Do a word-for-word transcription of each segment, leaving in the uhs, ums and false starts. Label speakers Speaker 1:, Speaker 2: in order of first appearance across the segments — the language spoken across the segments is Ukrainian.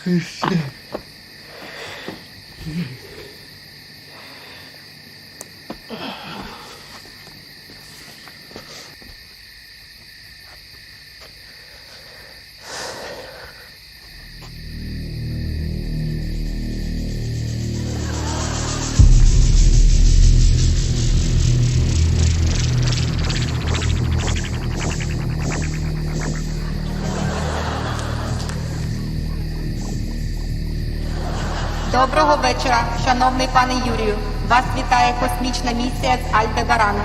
Speaker 1: Доброго вечора, шановний пане Юрію. Вас вітає космічна місія з Альдебарану.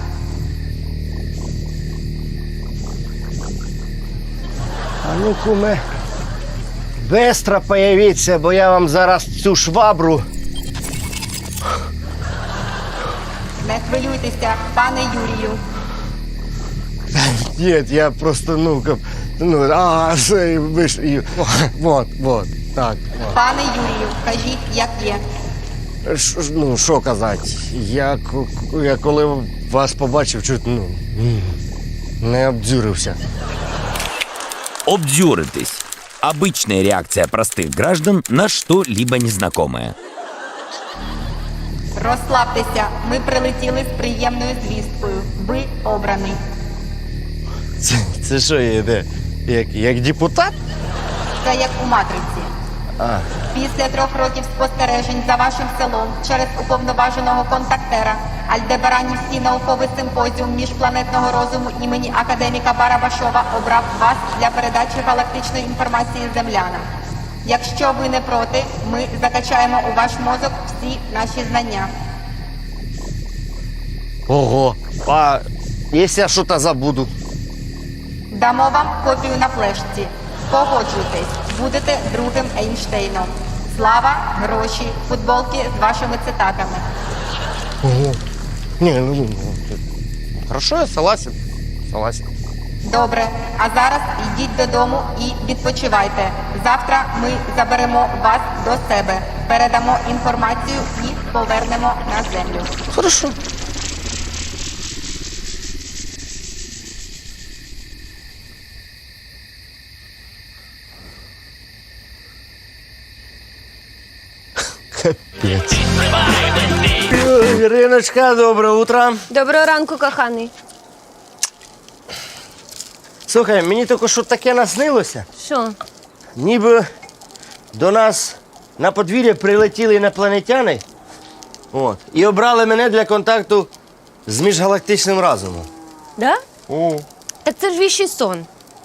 Speaker 2: А ну, куме, бистро появіться, бо я вам зараз цю швабру.
Speaker 1: Не хвилюйтеся, пане Юрію.
Speaker 2: Ні, я просто, ну, как, ну, а, все, ви ж, і, вот, вот, так. Вот.
Speaker 1: Пане Юрію, кажіть, як є.
Speaker 2: Ш, ну, що казати, я, я коли вас побачив, чуть, ну, не обдюрився.
Speaker 3: Обдюритесь. Обычная реакция простых граждан на что-либо незнакомое.
Speaker 1: Розслабтеся, ми прилетіли з приємною звісткою. Ви обраний.
Speaker 2: Це, це що є, де? Як, як депутат?
Speaker 1: Це як у «Матриці».
Speaker 2: А.
Speaker 1: Після трьох років спостережень за вашим селом через уповноваженого контактера Альдебаранівський науковий симпозіум міжпланетного розуму імені академіка Барабашова обрав вас для передачі галактичної інформації землянам. Якщо ви не проти, ми закачаємо у ваш мозок всі наші знання.
Speaker 2: Ого. А якщо я щось забуду?
Speaker 1: Дамо вам копію на флешці. Погоджуйтесь, будете другим Ейнштейном. Слава, гроші, футболки з вашими цитатами.
Speaker 2: Ого. Ні, ну, ну, хорошо, я согласен. Согласен.
Speaker 1: Добре, а зараз йдіть додому і відпочивайте. Завтра ми заберемо вас до себе, передамо інформацію і повернемо на землю.
Speaker 2: Хорошо. Капець. Іриночка, доброе утро.
Speaker 4: Доброго ранку, коханий.
Speaker 2: Слухай, мені тільки що таке наснилося.
Speaker 4: Що?
Speaker 2: Ніби до нас на подвір'я прилетіли інопланетяни, от, і обрали мене для контакту з міжгалактичним разумом.
Speaker 4: Да?
Speaker 2: О.
Speaker 4: Так це ж віщий сон.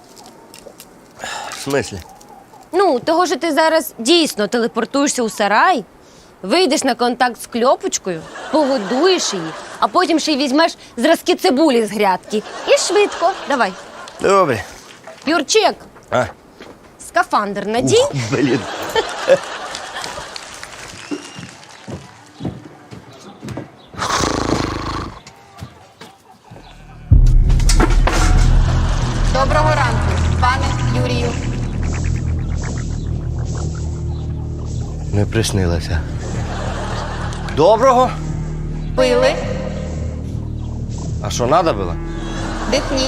Speaker 2: В смислі?
Speaker 4: Ну, того, що ти зараз дійсно телепортуєшся у сарай, вийдеш на контакт з кльопочкою, погодуєш її, а потім ще й візьмеш зразки цибулі з грядки. І швидко. Давай.
Speaker 2: Добре.
Speaker 4: Юрчик,
Speaker 2: А?
Speaker 4: скафандр надій.
Speaker 2: Ух, блін.
Speaker 1: Доброго ранку, пане Юрію.
Speaker 2: Не приснилося. Доброго?
Speaker 1: Пили,
Speaker 2: А що, треба було?
Speaker 1: дихніть.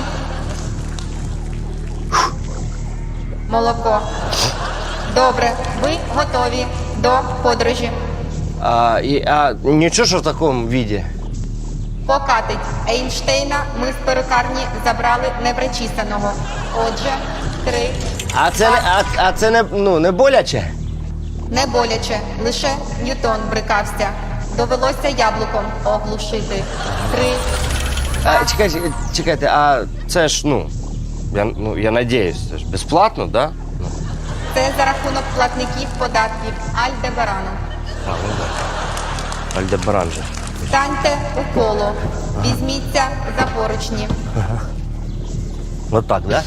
Speaker 1: Молоко. Добре, ви готові до подорожі.
Speaker 2: А, і, а нічого, що в такому віді?
Speaker 1: Покатить. Ейнштейна ми з перукарні забрали непричисаного. Отже, три.
Speaker 2: А це, не, а, а це не, ну, не боляче?
Speaker 1: Не боляче, лише Ньютон брикався. Довелося яблуком оглушити. Три.
Speaker 2: А, чекайте, чекайте, а це ж, ну, я, ну, я надіюсь, це ж безплатно, да? Ну.
Speaker 1: Це за рахунок платників податків Альдебарану.
Speaker 2: А, ну так. Альдебаран же.
Speaker 1: Станьте у коло. Візьміться за поручні.
Speaker 2: Вот так, да?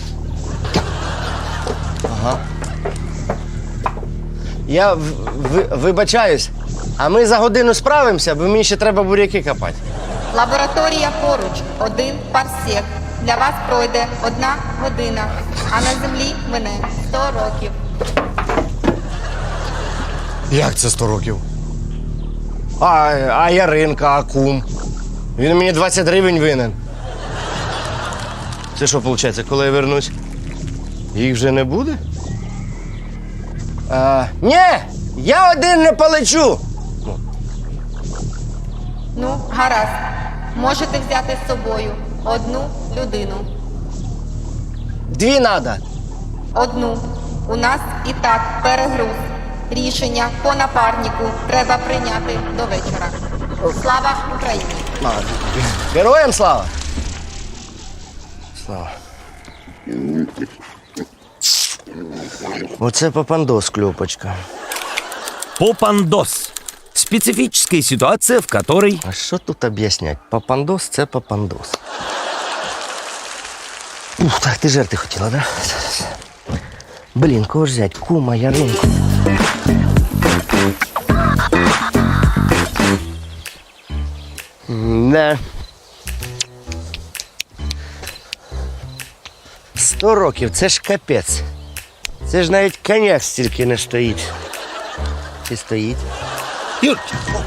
Speaker 2: Ага. Я в, ви, вибачаюсь, а ми за годину справимося, бо мені ще треба буряки копати.
Speaker 1: Лабораторія поруч. Один парсек. Для вас пройде одна година, а на землі мине сто років.
Speaker 2: Як це сто років? А, а Яринка, а кум? Він мені двадцять гривень винен. Це що, виходить, коли я вернусь, їх вже не буде? А, ні, я один не полечу.
Speaker 1: Ну, гаразд. Можете взяти з собою одну людину.
Speaker 2: Дві надо.
Speaker 1: Одну. У нас і так перегруз. Рішення по напарнику треба прийняти до вечора. Слава Україні!
Speaker 2: Героям слава! Слава. Оце попандос, кльопочка.
Speaker 3: Попандос. Специфическая ситуация, в которой
Speaker 2: А що тут об'яснять? Попандос – це попандос. Ух, так ти жерти хотіла, да? Блін, кого ж взять? Кума, Яринку. Не. Сто років, це ж капець. Це ж навіть коньяк стільки не стоїть. Чи стоїть?
Speaker 5: Юрченко,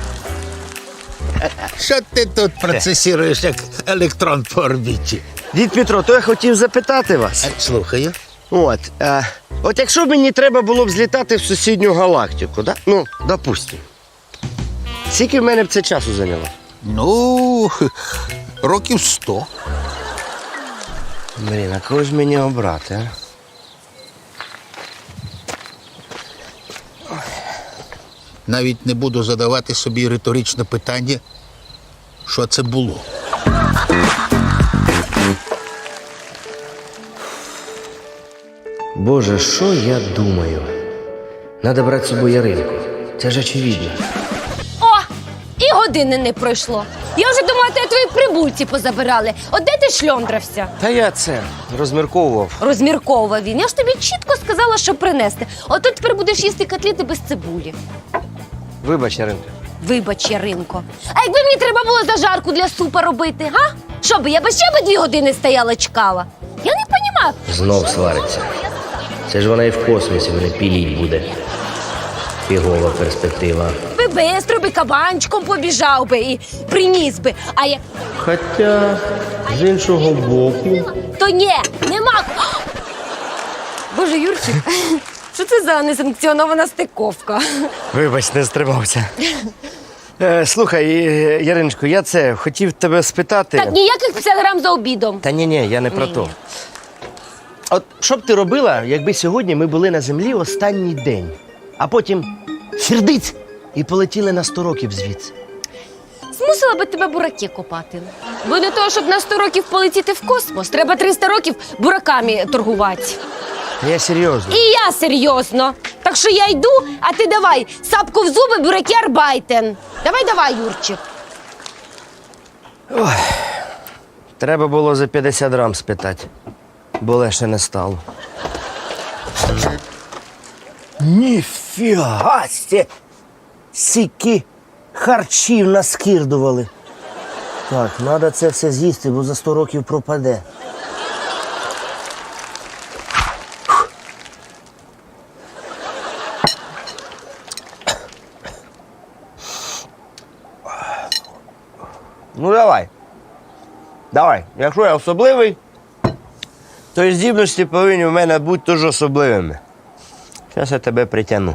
Speaker 5: що ти тут процесіруєш як електрон по орбіті?
Speaker 2: Дід Петро, то я хотів запитати вас.
Speaker 5: Е, Слухаю.
Speaker 2: От, е, от якщо б мені треба було б злітати в сусідню галактику, да? Ну, допустимо. Скільки в мене б це часу зайняло?
Speaker 5: Ну, років сто.
Speaker 2: Блін, а кого ж мені обрати, а?
Speaker 5: Навіть не буду задавати собі риторичне питання, що це було.
Speaker 2: Боже, що я думаю? Надо брати з собою Яринку. Це ж очевидно.
Speaker 4: О! І години не пройшло. Я вже думала, ти твої прибульці позабирали. От де ти шльондрався?
Speaker 2: Та я це розмірковував.
Speaker 4: Розмірковував він. Я ж тобі чітко сказала, що принести. От тут тепер будеш їсти котлети без цибулі.
Speaker 2: Вибач, Яринка.
Speaker 4: Вибач, Яринко. А якби мені треба було зажарку для супа робити, га? Що би, я би ще би дві години стояла, чекала? Я не понімаю.
Speaker 6: Знов свариться. Це ж вона і в космосі мене піліть буде. Фігова перспектива.
Speaker 4: Би бистро би кабанчиком побіжав би і приніс би. А як
Speaker 2: Хоча, з іншого боку.
Speaker 4: то ні, нема. Боже, Юрчик, що це за несанкціонована стиковка?
Speaker 2: Вибач, не стримався. Е, слухай, е, Яриночко, я це хотів тебе спитати.
Speaker 4: Так, ніяких п'ятдесят грам за обідом.
Speaker 2: Та ні, ні, я не про
Speaker 4: Ні,
Speaker 2: то.
Speaker 4: ні.
Speaker 2: От що б ти робила, якби сьогодні ми були на землі останній день, а потім фірдиць і полетіли на сто років звідси?
Speaker 4: Змусила би тебе бураки копати. Бо для того, щоб на сто років полетіти в космос, треба триста років бураками торгувати.
Speaker 2: Я серйозно.
Speaker 4: І я серйозно. Так що я йду, а ти давай, сапку в зуби, бураки арбайтен. Давай, давай, Юрчик.
Speaker 2: Треба було за п'ятдесят грам спитати, бо легше не стало. Ніфіга сте! Сіки харчів наскірдували. Так, треба це все з'їсти, бо за сто років пропаде. Ну давай. Давай. Якщо я особливий, то і здібності повинні в мене бути теж особливими. Зараз я тебе притягну.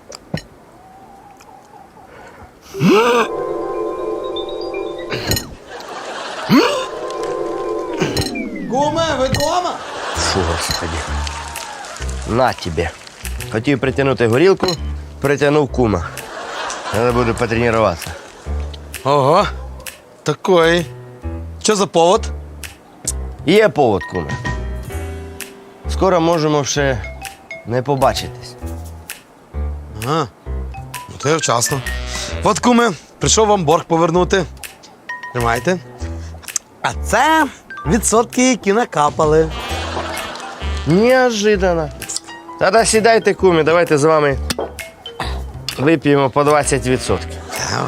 Speaker 7: Куме, ви дома?
Speaker 2: Фу, господи. На тебе. Хотів притягнути горілку, притягнув кума. Треба буде потренуватися.
Speaker 7: Ого, такой. Що за повод?
Speaker 2: Є повод, куме. Скоро можемо ще не побачитись.
Speaker 7: Ага, ну то я вчасно. От, куме, прийшов вам борг повернути. Тримайте. А це відсотки, які накапали.
Speaker 2: Неожиданно. Тоді сідайте, кумі, давайте з вами вип'ємо по двадцять відсотків.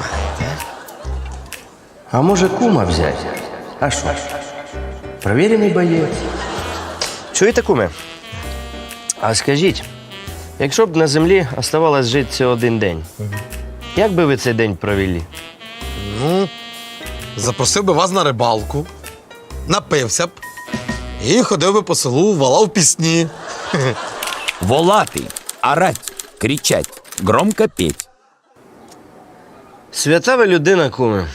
Speaker 2: А може кума взяти? А що? Провірений боєць. Чуєте, куме? А скажіть, якщо б на землі оставалось жити всього один день, як би ви цей день провели?
Speaker 7: Ну, запросив би вас на рибалку, напився б і ходив би по селу, валав пісні.
Speaker 3: волатый, орать, кричать, громко петь.
Speaker 2: Свята ви людина, куме.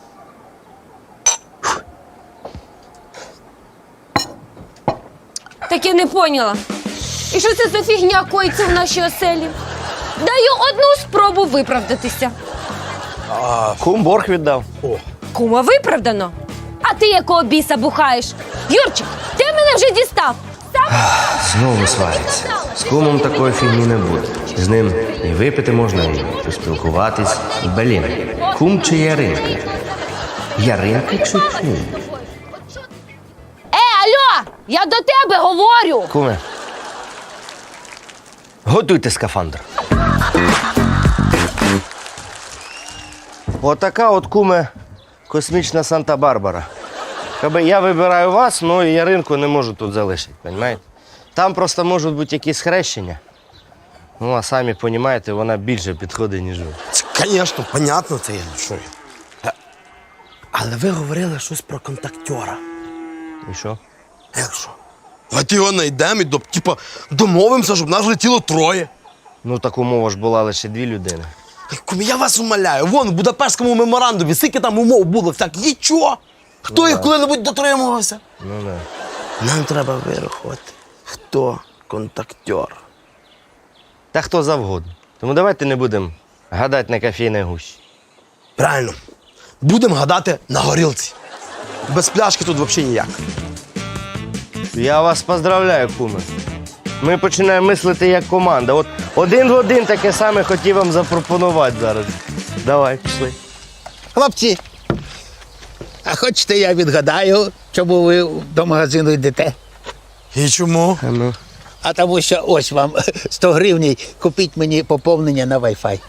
Speaker 4: Так я не поняла. І що це за фігня коїться в нашій оселі? Даю одну спробу виправдатися.
Speaker 2: Кум борг віддав.
Speaker 4: Кума виправдано. А ти якого біса бухаєш? Юрчик, ти мене вже дістав. Сам
Speaker 2: Знову свариться. З кумом такої фігні не буде. З ним і випити можна, і поспілкуватись. Блін, кум чи Яринка? Яринка чи кум?
Speaker 4: Е, алло! Я до тебе говорю!
Speaker 2: Куме, готуйте скафандр. Отака от, куме, космічна Санта-Барбара. Каби я вибираю вас, ну і Яринку не можу тут залишити, розумієте? Там просто можуть бути якісь хрещення. Ну, а самі розумієте, вона більше підходить, ніж ви.
Speaker 7: Звісно, понятно, це я що. я. Але ви говорили щось про контактера.
Speaker 2: І що?
Speaker 7: Як що? Давайте його знайдемо і до, типа, домовимося, щоб нас летіло троє.
Speaker 2: Ну, так умова ж була лише дві людини.
Speaker 7: Кумі, я вас умоляю, вон в Будапештському меморандумі, скільки там умов було, всяк, нічого. Хто їх коли-небудь дотримувався?
Speaker 2: Ну, не.
Speaker 7: Нам треба вирахувати, хто контактер.
Speaker 2: Та хто завгодно. Тому давайте не будемо гадати на кофейній гущі.
Speaker 7: Правильно. Будемо гадати на горілці. Без пляшки тут взагалі ніяк.
Speaker 2: Я вас поздравляю, куме. Ми починаємо мислити як команда. От один в один таке саме хотів вам запропонувати зараз. Давай, пішли.
Speaker 5: Хлопці, а хочете я відгадаю, чому ви до магазину йдете?
Speaker 7: І чому?
Speaker 2: А ну.
Speaker 5: А тому що ось вам сто гривень, купіть мені поповнення на Wi-Fi.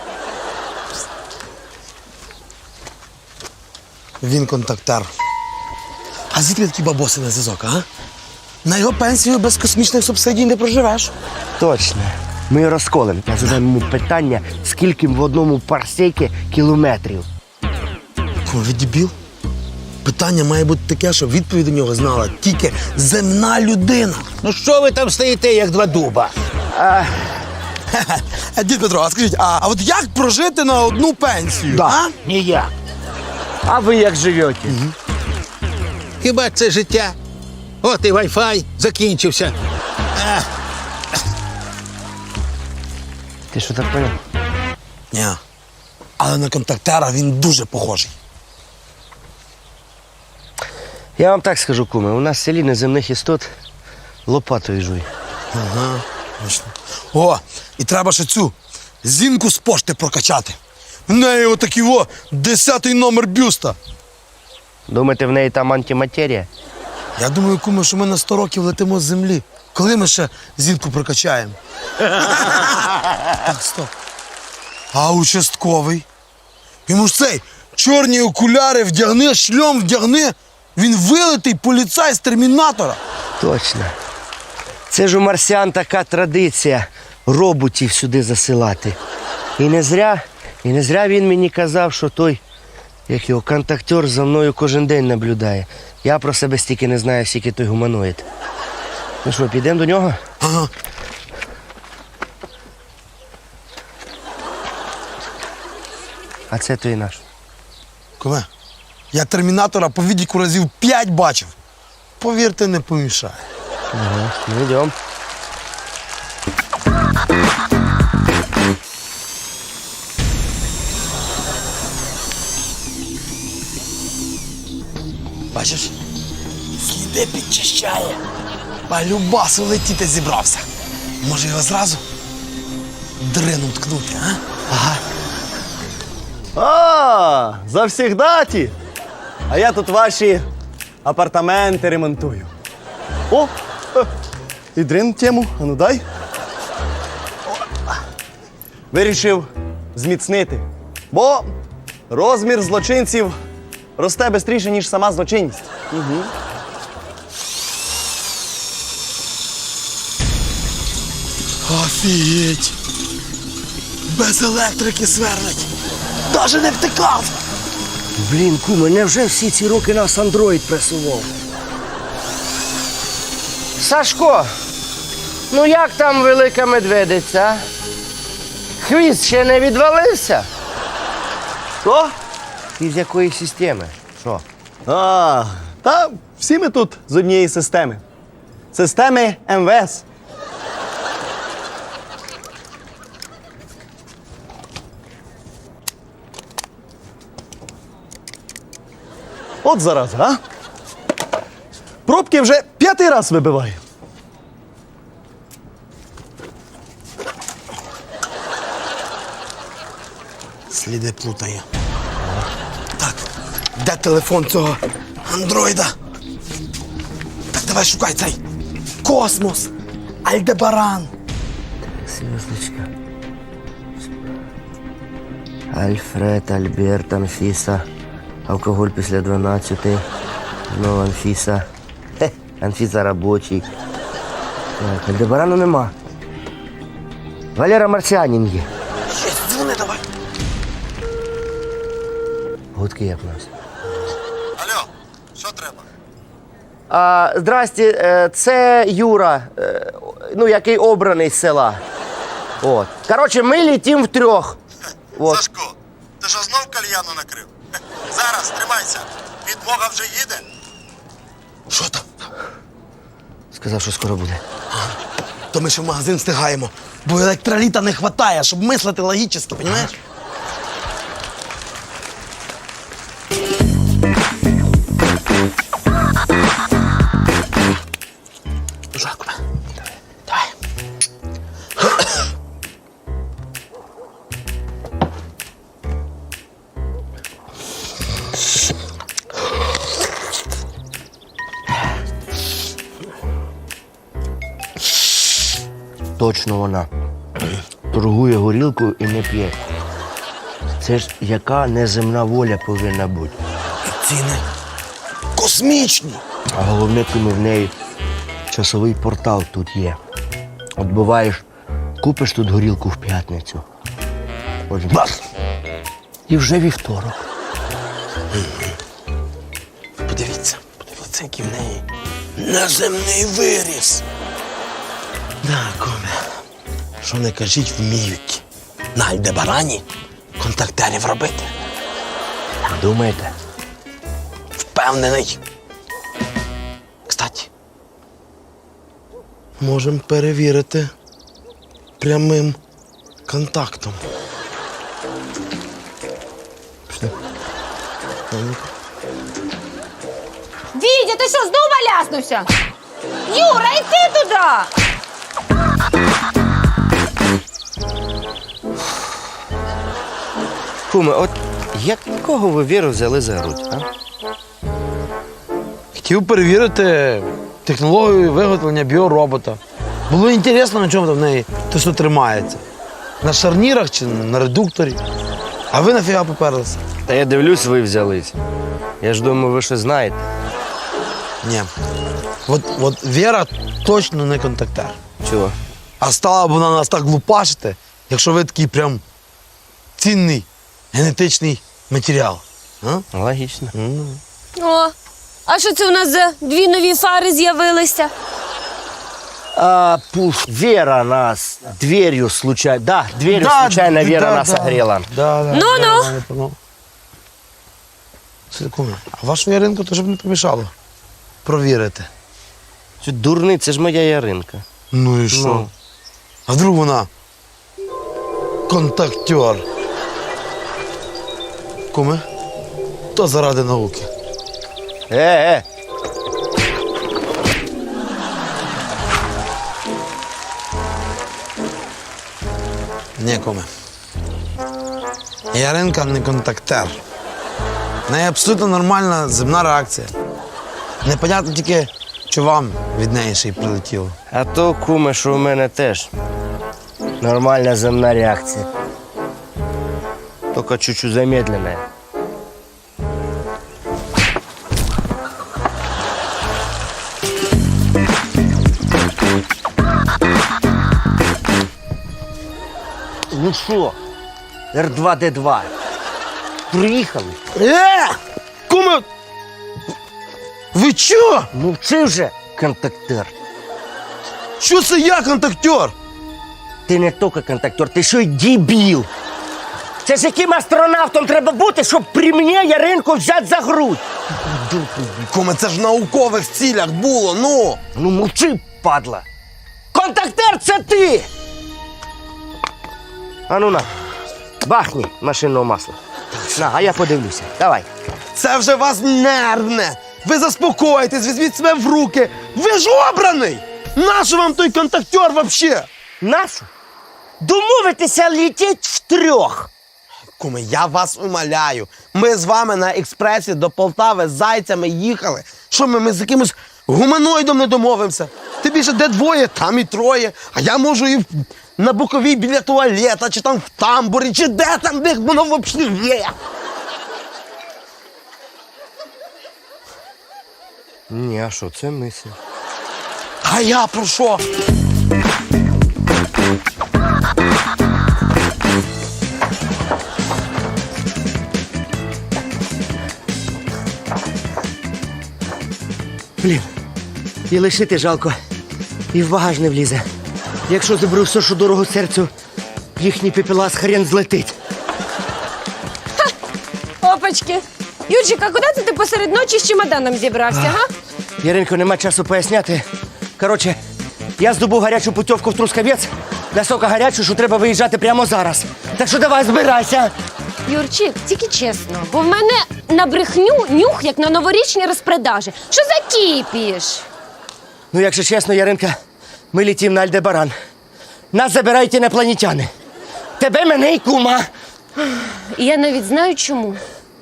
Speaker 7: Він контактер. А звідки такі бабоси на зв'язок, а? На його пенсію без космічних субсидій не проживеш.
Speaker 2: Точно. Ми розколемо. Я задам йому питання, скільки в одному парсекі кілометрів.
Speaker 7: Кому ви дебіл? Питання має бути таке, щоб відповідь до нього знала тільки земна людина.
Speaker 5: Ну що ви там стоїте, як два дуба?
Speaker 7: А, дід Петро, а скажіть, а, а от як прожити на одну пенсію? А?
Speaker 5: Ніяк.
Speaker 2: А ви як живете?
Speaker 5: Хіба це життя? От і Wi-Fi закінчився.
Speaker 2: Ти що так поняв?
Speaker 7: Ні. Але на контактера він дуже похожий.
Speaker 2: Я вам так скажу, куме, у нас в селі неземних істот лопатою жуй.
Speaker 7: Ага, точно. О, і треба ще цю зінку з пошти прокачати. В неї отакий о, десятий номер бюста.
Speaker 2: Думаєте, в неї там антиматерія?
Speaker 7: Я думаю, куме, що ми на сто років летимо з землі. Коли ми ще зінку прокачаємо? Так, стоп. А участковий? Йому ж цей чорні окуляри вдягни, шльом вдягни. Він вилитий поліцай з термінатора.
Speaker 2: Точно. Це ж у марсіан така традиція роботів сюди засилати. І не зря, і не зря він мені казав, що той, як його контактер, за мною кожен день наблюдає. Я про себе стільки не знаю, скільки той гуманоїд. Ну що, підемо до нього?
Speaker 7: Ага.
Speaker 2: А це той наш.
Speaker 7: Куме, я термінатора по відіку разів п'ять бачив. Повірте, не помішає.
Speaker 2: Ага, ну йдемо.
Speaker 7: Бачиш? Сліди підчищає. Балюбасу летіти зібрався. Може його зразу дрином ткнути, а? Ага.
Speaker 8: А, завсігдаті. А я тут ваші апартаменти ремонтую. О, е, і дрин тему, а ну дай. О, вирішив зміцнити, бо розмір злочинців росте швидше, ніж сама злочинність. Угу.
Speaker 7: Офігеть! Без електрики сверлить. Даже не втикав.
Speaker 2: Блін, куме, невже всі ці роки нас андроїд пресував? Сашко, ну як там велика медведиця? Хвіст ще не відвалився?
Speaker 8: Що?
Speaker 2: Ти з якої системи? Що?
Speaker 8: А, та всі ми тут з однієї системи. Системи ем ве ес. От зараз, а? Пробки вже п'ятий раз вибиваю.
Speaker 7: Сліди плутає. Так, де телефон цього андроїда? Так, давай шукай цей. Космос. Альдебаран.
Speaker 2: Звездочка. Альфред, Альберт, Анфіса. Алкоголь після дванадцяти. Знову Анфіса. Хе, Анфіса робочий. Так, Альдебарану нема. Валера Марсіанін є.
Speaker 7: Ще дзвони давай.
Speaker 2: Гудки як у нас.
Speaker 7: Алло, що треба?
Speaker 2: А, здрасте, е, це Юра, е, ну, який обраний з села. От. Коротше, ми літім втрьох. От.
Speaker 9: Сашко, ти що знов кальяну накрив? Зараз, тримайся. Підмога вже їде.
Speaker 7: Що там?
Speaker 2: Сказав, що скоро буде.
Speaker 7: То ми ще в магазин встигаємо, бо електроліта не вистачає, щоб мислити логічно, розумієш? Жаку, давай.
Speaker 2: Точно вона. Торгує горілкою і не п'є. Це ж яка неземна воля повинна бути.
Speaker 7: Ціни космічні.
Speaker 2: А головне, кому в неї часовий портал тут є. От буваєш, купиш тут горілку в п'ятницю. От бах! І вже вівторок.
Speaker 7: Подивіться, подивіться, який в неї неземний виріс. Да, коме. Що не кажіть, вміють на Альдебарані контактерів робити.
Speaker 2: Думаєте?
Speaker 7: Впевнений. Кстати, можемо перевірити прямим контактом. Пішли.
Speaker 4: Вітя, ти що, знову маляснувся? Юра, йди туди!
Speaker 2: Куме, от якого ви віру взяли за грудь, а?
Speaker 7: Хотів перевірити технологію виготовлення біоробота. Було цікаво, на чому там в неї те, що тримається. На шарнірах чи на редукторі. А ви нафіга поперлися?
Speaker 2: Та я дивлюсь, ви взялись. Я ж думаю, ви щось знаєте.
Speaker 7: Ні. От, от Віра точно не контактер.
Speaker 2: Чого?
Speaker 7: А стала б вона нас так лупашити, якщо ви такий прям цінний генетичний матеріал. А?
Speaker 2: Логічно.
Speaker 4: О, а що це у нас за дві нові фари з'явилися?
Speaker 2: А, пуф, Вера нас дверью случайно... Да, дверью случайно Вера нас огрела.
Speaker 7: Да, да,
Speaker 4: Ну-ну.
Speaker 7: да, да, да. Секунду. А вашу Яринку теж б не помішало провірити.
Speaker 2: Це дурний, це ж моя Яринка.
Speaker 7: Ну і що?
Speaker 2: Ну.
Speaker 7: А вдруг вона контактер? Куме, то заради науки.
Speaker 2: Е, е.
Speaker 7: Ні, куме. Яринка не контактер. В неї абсолютно нормальна земна реакція. Непонятно тільки, що вам від неї ще й прилетіло.
Speaker 2: А то, куме, що у мене теж нормальна земна реакція. Тільки чуть-чуть замедленная. Ну що, Р два Д два, приїхали?
Speaker 7: Е! Куме! Ви чо?
Speaker 2: Мовчи вже, контактер.
Speaker 7: Що це я контактер?
Speaker 2: Ти не тільки контактер, ти ще й дебіл. Це ж яким астронавтом треба бути, щоб при мені Яринку взяти за грудь?
Speaker 7: Куме, це ж в наукових цілях було, ну!
Speaker 2: Ну мовчи, падла. Контактер це ти! А ну на, бахні машинного масла. На, а я подивлюся. Давай.
Speaker 7: Це вже вас нервне! Ви заспокойтесь, візьміть себе в руки! Ви ж обраний! Нащо вам той контактер вообще?
Speaker 2: Нашу? Домовитися летіть втрьох.
Speaker 7: Куме, я вас умоляю. Ми з вами на експресі до Полтави з зайцями їхали. Що ми, ми з якимось гуманоїдом не домовимося? Ти більше де двоє, там і троє. А я можу і в- на боковій біля туалета, чи там в тамбурі, чи де там, де воно взагалі є.
Speaker 2: Ні, а що, це мисль.
Speaker 7: А я про що?
Speaker 2: Блін, і лишити жалко, і в багаж не влізе. Якщо заберу все, що дорого серцю, їхній пепелас хрен злетить.
Speaker 4: Опачки. Юрчик, а куди це ти посеред ночі з чемоданом зібрався, га?
Speaker 2: Яринко, нема часу поясняти. Коротше, я здобув гарячу путівку в Трускавець, настільки гарячу, що треба виїжджати прямо зараз. Так що давай, збирайся.
Speaker 4: Юрчик, тільки чесно, бо в мене на брехню нюх, як на новорічні розпродажі. Що за кіпіш?
Speaker 2: Ну, якщо чесно, Яринка, ми літім на Альдебаран. Нас забирають інопланетяни. Тебе, мене і кума.
Speaker 4: І я навіть знаю чому.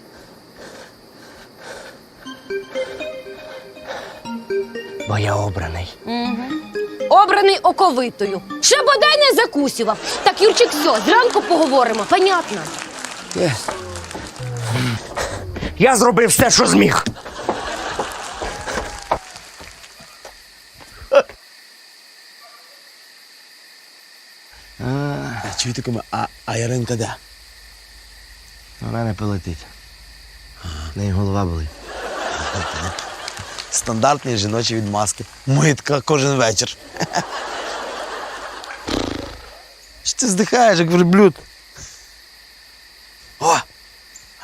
Speaker 2: Бо я обраний.
Speaker 4: Обраний оковитою. Ще бодай не закусював. Так, Юрчик, все, зранку поговоримо, понятно?
Speaker 2: Е. Я зробив все, що зміг.
Speaker 7: Чуєте, куме, а, а Яринка де?
Speaker 2: Вона не полетить. В неї голова болить.
Speaker 7: Стандартні жіночі відмазки. Митка кожен вечір. Що ти здихаєш, як верблюд? О! А?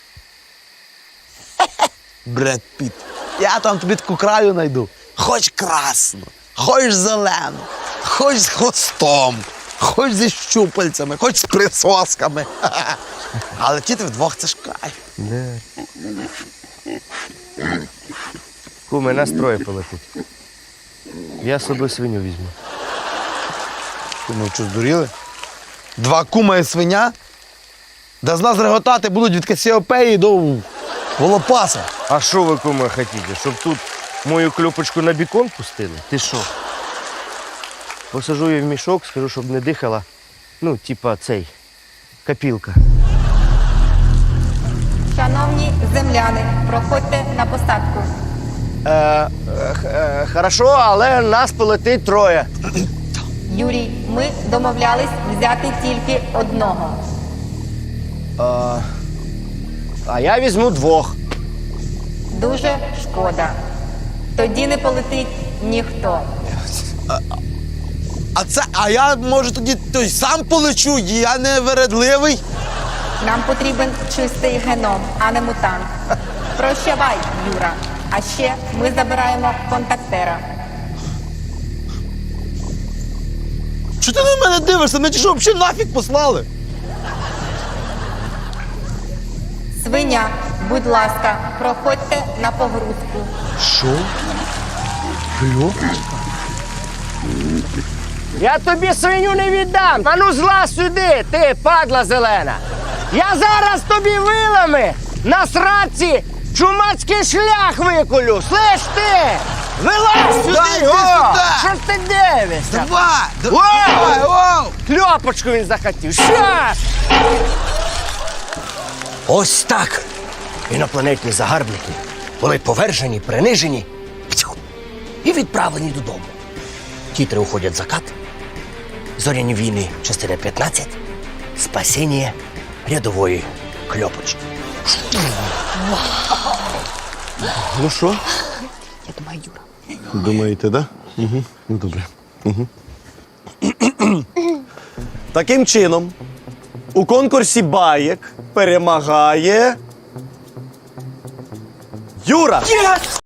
Speaker 7: Бред Піт. Я там тобі таку краю знайду. Хоч красну, хоч зелену, хоч з хвостом, хоч зі щупальцями, хоч з присосками. Але летіти вдвох це ж кайф.
Speaker 2: Де? Куме, нас троє полетить. Я з собою свиню візьму.
Speaker 7: Куми, що, здуріли? Два кума і свиня? Да з нас реготати будуть від Касіопеї до Волопаса.
Speaker 2: А що ви, куме, хотіте? Щоб тут мою кльопочку на бікон пустили? Ти що? Посажу її в мішок, скажу, щоб не дихала. Ну, типа цей, копілка.
Speaker 1: Шановні земляни, проходьте на посадку.
Speaker 2: Е, е, е, хорошо, але нас полетить троє.
Speaker 1: Юрій, ми домовлялись взяти тільки одного.
Speaker 2: А я візьму двох.
Speaker 1: Дуже шкода. Тоді не полетить ніхто.
Speaker 7: А це, а я, може, тоді той сам полечу, я не вередливий.
Speaker 1: Нам потрібен чистий геном, а не мутант. Прощавай, Юра. А ще ми забираємо контактера.
Speaker 7: Чого ти на мене дивишся? Мене ті що взагалі нафіг послали?
Speaker 1: Свиня, будь ласка, проходьте на погрузку.
Speaker 7: Що? Кльо?
Speaker 2: Я тобі свиню не віддам. А ну злазь сюди, ти, падла зелена. Я зараз тобі вилами на сраці чумацький шлях виколю. Слиш ти? Вилазь сюди!
Speaker 7: Дай, йди
Speaker 2: о!
Speaker 7: сюди!
Speaker 2: Що ж ти дивишся?
Speaker 7: Давай!
Speaker 2: Воу!
Speaker 7: Давай, воу!
Speaker 2: Кльопочку він захотів. Щас! Ось так. Інопланетні загарбники були повержені, принижені пцю, і відправлені додому. Тітри уходять в закат. Зоряні війни, частина п'ятнадцять. Спасіння рядової кльопочки.
Speaker 8: Ну що?
Speaker 1: Я думаю, Юра.
Speaker 8: Думаєте, да? Угу. Ну добре. Угу. Таким чином, у конкурсі баєк перемагає Юра!